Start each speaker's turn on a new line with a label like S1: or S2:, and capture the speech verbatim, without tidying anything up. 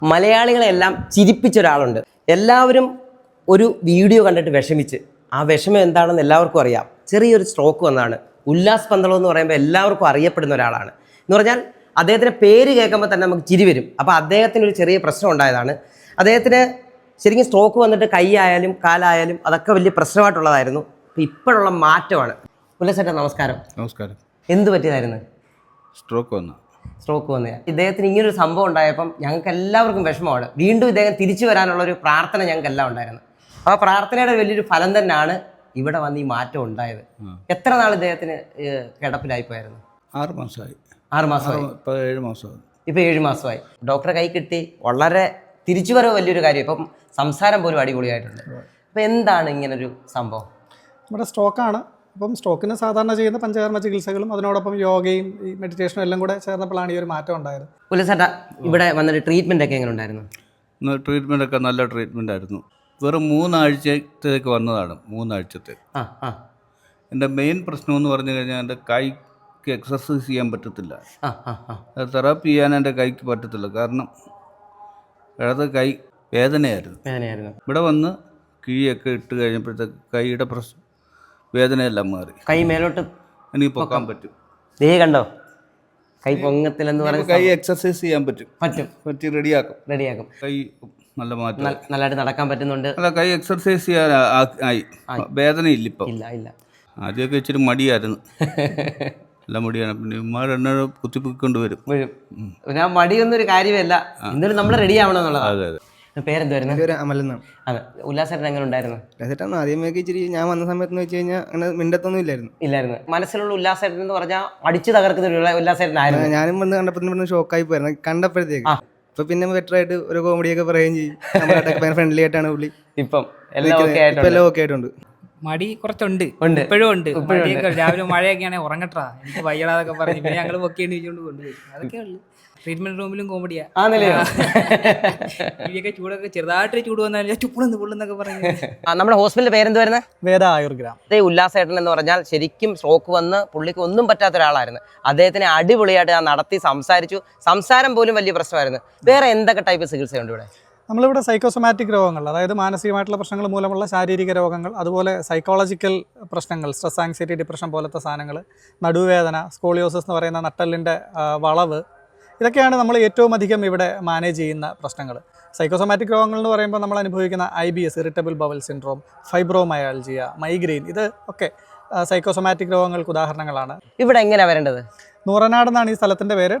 S1: മലയാളികളെല്ലാം ചിരിപ്പിച്ച ഒരാളുണ്ട്. എല്ലാവരും ഒരു വീഡിയോ കണ്ടിട്ട് വിഷമിച്ച്, ആ വിഷമം എന്താണെന്ന് എല്ലാവർക്കും അറിയാം. ചെറിയൊരു സ്ട്രോക്ക് വന്നതാണ്. ഉല്ലാസ് പന്തളം എന്ന് പറയുമ്പോൾ എല്ലാവർക്കും അറിയപ്പെടുന്ന ഒരാളാണ്. എന്ന് പറഞ്ഞാൽ അദ്ദേഹത്തിൻ്റെ പേര് കേൾക്കുമ്പോൾ തന്നെ നമുക്ക് ചിരി വരും. അപ്പോൾ അദ്ദേഹത്തിന് ഒരു ചെറിയ പ്രശ്നം ഉണ്ടായതാണ്. അദ്ദേഹത്തിന് ശരിക്കും സ്ട്രോക്ക് വന്നിട്ട് കൈ ആയാലും കാലായാലും അതൊക്കെ വലിയ പ്രശ്നമായിട്ടുള്ളതായിരുന്നു. അപ്പോൾ ഇപ്പോഴുള്ള മാറ്റമാണ്. ഉല്ലാസ് ചേട്ടാ നമസ്കാരം.
S2: നമസ്കാരം.
S1: എന്ത് പറ്റിയതായിരുന്നു?
S2: സ്ട്രോക്ക് വന്നു.
S1: സ്ട്രോക്ക് വന്നത് ഇദ്ദേഹത്തിന് ഇങ്ങനൊരു സംഭവം ഉണ്ടായപ്പം ഞങ്ങൾക്ക് എല്ലാവർക്കും വിഷമമാണ്. വീണ്ടും ഇദ്ദേഹം തിരിച്ചു വരാനുള്ള ഒരു പ്രാർത്ഥന ഞങ്ങൾക്ക് എല്ലാം ഉണ്ടായിരുന്നു. ആ പ്രാർത്ഥനയുടെ വലിയൊരു ഫലം തന്നെയാണ് ഇവിടെ വന്ന് ഈ മാറ്റം ഉണ്ടായത്. എത്ര നാൾ ഇദ്ദേഹത്തിന് കിടപ്പിലായി പോയായിരുന്നു?
S2: ആറ് മാസമായി.
S1: ആറ് മാസമായി.
S2: ഇപ്പോൾ ഏഴ് മാസമായി.
S1: ഇപ്പോൾ ഏഴ് മാസമായി. ഡോക്ടറെ കൈ കിട്ടി. വളരെ തിരിച്ചു വരവ് വലിയൊരു കാര്യം. ഇപ്പം സംസാരം പോലും അടിപൊളിയായിട്ടുണ്ട്. അപ്പം എന്താണ് ഇങ്ങനൊരു സംഭവം?
S3: നമ്മുടെ സ്ട്രോക്കാണ്. അപ്പം സ്ട്രോക്കിന് സാധാരണ ചെയ്യുന്ന പഞ്ചകർമ്മ ചികിത്സകളും അതിനോടൊപ്പം യോഗയും ഈ മെഡിറ്റേഷനും എല്ലാം കൂടെ ചേർന്നപ്പോഴാണ് ഈ ഒരു മാറ്റം ഉണ്ടായത്.
S1: ഉല്ലാസ് ചേട്ടാ ഇവിടെ വന്നിട്ട് ട്രീറ്റ്മെൻ്റ് ഒക്കെ എങ്ങനെ ഉണ്ടായിരുന്നു?
S2: ട്രീറ്റ്മെൻ്റ് ഒക്കെ നല്ല ട്രീറ്റ്മെൻ്റ് ആയിരുന്നു. വെറും മൂന്നാഴ്ചത്തേക്ക് വന്നതാണ്. മൂന്നാഴ്ചത്തെ
S1: ആ ആ
S2: എൻ്റെ മെയിൻ പ്രശ്നം എന്ന് പറഞ്ഞു കഴിഞ്ഞാൽ എൻ്റെ കൈക്ക് എക്സർസൈസ് ചെയ്യാൻ പറ്റത്തില്ല.
S1: ആ ആ ആ
S2: തെറാപ്പി ചെയ്യാൻ എൻ്റെ കൈക്ക് പറ്റത്തില്ല. കാരണം ഇടത് കൈ വേദനയായിരുന്നു.
S1: വേദനയായിരുന്നു.
S2: ഇവിടെ വന്ന് കിഴിയൊക്കെ ഇട്ട് കഴിഞ്ഞപ്പോഴത്തേക്ക് കൈയുടെ പ്രശ്നം വേദനയെല്ലാം മാറി.
S1: കൈ മേലോട്ട്
S2: എനിക്ക് പൊക്കാൻ പറ്റും.
S1: ദേ കണ്ടോ, കൈ പൊങ്ങത്തില്ലെന്ന് പറഞ്ഞ
S2: കൈ എക്സർസൈസ് ചെയ്യാൻ പറ്റും.
S1: പറ്റും
S2: പറ്റി റെഡിയാക്കും.
S1: റെഡിയാക്കും.
S2: കൈ നല്ല മാറ്റം.
S1: നല്ലതായിട്ട് നടക്കാൻ പറ്റുന്നുണ്ട്.
S2: അല്ല, കൈ എക്സർസൈസ് ചെയ്യാൻ ആയി. വേദന ഇല്ല ഇപ്പം.
S1: ഇല്ല ഇല്ല
S2: ആദ്യമൊക്കെ ഇച്ചിരി മടിയായിരുന്നു. നല്ല മടിയാണ്. പിന്നെ ഉമ്മാർ എന്നെ കുത്തിപ്പൊക്കൊണ്ട് വരും.
S1: ഞാൻ മടിയൊന്നൊരു കാര്യമല്ല. ഇന്നൊരു നമ്മൾ റെഡി ആവണം എന്നുള്ളത്.
S2: അതെ അതെ.
S1: പേരെന്തുവായിരുന്നു?
S3: അമലെന്നാണ്.
S1: അതെ. ഉല്ലാസേട്ടൻ എങ്ങനെ ഉണ്ടായിരുന്നു?
S3: ഉല്ലാസേട്ടൻ ആദ്യമൊക്കെ ഇച്ചിരി ഞാൻ വന്ന സമയത്ത് വെച്ച് കഴിഞ്ഞാൽ അങ്ങനെ മിണ്ടത്തൊന്നും ഇല്ലായിരുന്നു.
S1: ഇല്ലായിരുന്നു. മനസ്സിലുള്ള ഉല്ലാസേട്ടൻ എന്ന് പറഞ്ഞാൽ അടിച്ചു തകർക്കുന്ന ഒരു ഉല്ലാസേട്ടനായിരുന്നു.
S3: ഞാനും വന്ന് കണ്ടപ്പോൾ ഷോക്കായി പോയിരുന്നു കണ്ടപ്പോഴത്തേക്ക്. അപ്പൊ പിന്നെ ബെറ്റർ ആയിട്ട് ഒരു കോമഡിയൊക്കെ പറയുകയും ചെയ്യും. ഫ്രണ്ട്ലി ആയിട്ടാണ് പുള്ളി.
S1: ഇപ്പം എല്ലാം
S3: ഓക്കെ ആയിട്ടുണ്ട്.
S4: മടി കുറച്ചുണ്ട്, ഇപ്പോഴും ഉണ്ട്. രാവിലെ മഴയൊക്കെ ആണെങ്കിൽ ഉറങ്ങട്ടാ എനിക്ക് വയ്യടാതൊക്കെ പറഞ്ഞു പിന്നെ ഞങ്ങൾ പൊക്കി എണീച്ചുകൊണ്ട് കൊണ്ടുപോയി. അതൊക്കെ ഉള്ളു. ട്രീറ്റ്മെന്റ് റൂമിലും കോമഡിയാ. ഇവയൊക്കെ ചൂടൊക്കെ ചെറുതായിട്ട് ചൂട് വന്നാൽ ചുപ്പുളന്ന് പുള്ളെന്നൊക്കെ പറഞ്ഞു.
S1: നമ്മുടെ ഹോസ്പിറ്റലിന്റെ പേരെന്തുവായിരുന്നു?
S3: വേദ ആയുർഗ്രാം.
S1: അതേ ഉല്ലാസേട്ടൻ എന്ന് പറഞ്ഞാൽ ശരിക്കും സ്ട്രോക്ക് വന്ന് പുള്ളിക്ക് ഒന്നും പറ്റാത്ത ഒരാളായിരുന്നു. അദ്ദേഹത്തിനെ അടിപൊളിയായിട്ട് ഞാൻ നടത്തി സംസാരിച്ചു. സംസാരം പോലും വലിയ പ്രശ്നമായിരുന്നു. വേറെ എന്തൊക്കെ ടൈപ്പ് ചികിത്സയുണ്ട് ഇവിടെ?
S3: നമ്മളിവിടെ സൈക്കോസൊമാറ്റിക് രോഗങ്ങൾ, അതായത് മാനസികമായിട്ടുള്ള പ്രശ്നങ്ങൾ മൂലമുള്ള ശാരീരിക രോഗങ്ങൾ, അതുപോലെ സൈക്കോളജിക്കൽ പ്രശ്നങ്ങൾ, സ്ട്രെസ്, ആങ്സൈറ്റി, ഡിപ്രഷൻ പോലത്തെ സാധനങ്ങൾ, നടുവേദന, സ്കോളിയോസിസ് എന്ന് പറയുന്ന നട്ടലിൻ്റെ വളവ്, ഇതൊക്കെയാണ് നമ്മൾ ഏറ്റവും അധികം ഇവിടെ മാനേജ് ചെയ്യുന്ന പ്രശ്നങ്ങൾ. സൈക്കോസൊമാറ്റിക് രോഗങ്ങൾ എന്ന് പറയുമ്പോൾ നമ്മൾ അനുഭവിക്കുന്ന I B S, irritable bowel syndrome, fibromyalgia, migraine, ഇത് ഒക്കെ സൈക്കോസൊമാറ്റിക് രോഗങ്ങൾക്ക് ഉദാഹരണങ്ങളാണ്.
S1: ഇവിടെ എങ്ങനെയാണ് വരേണ്ടത്?
S3: നൂറനാട് എന്നാണ് ഈ സ്ഥലത്തിൻ്റെ പേര്.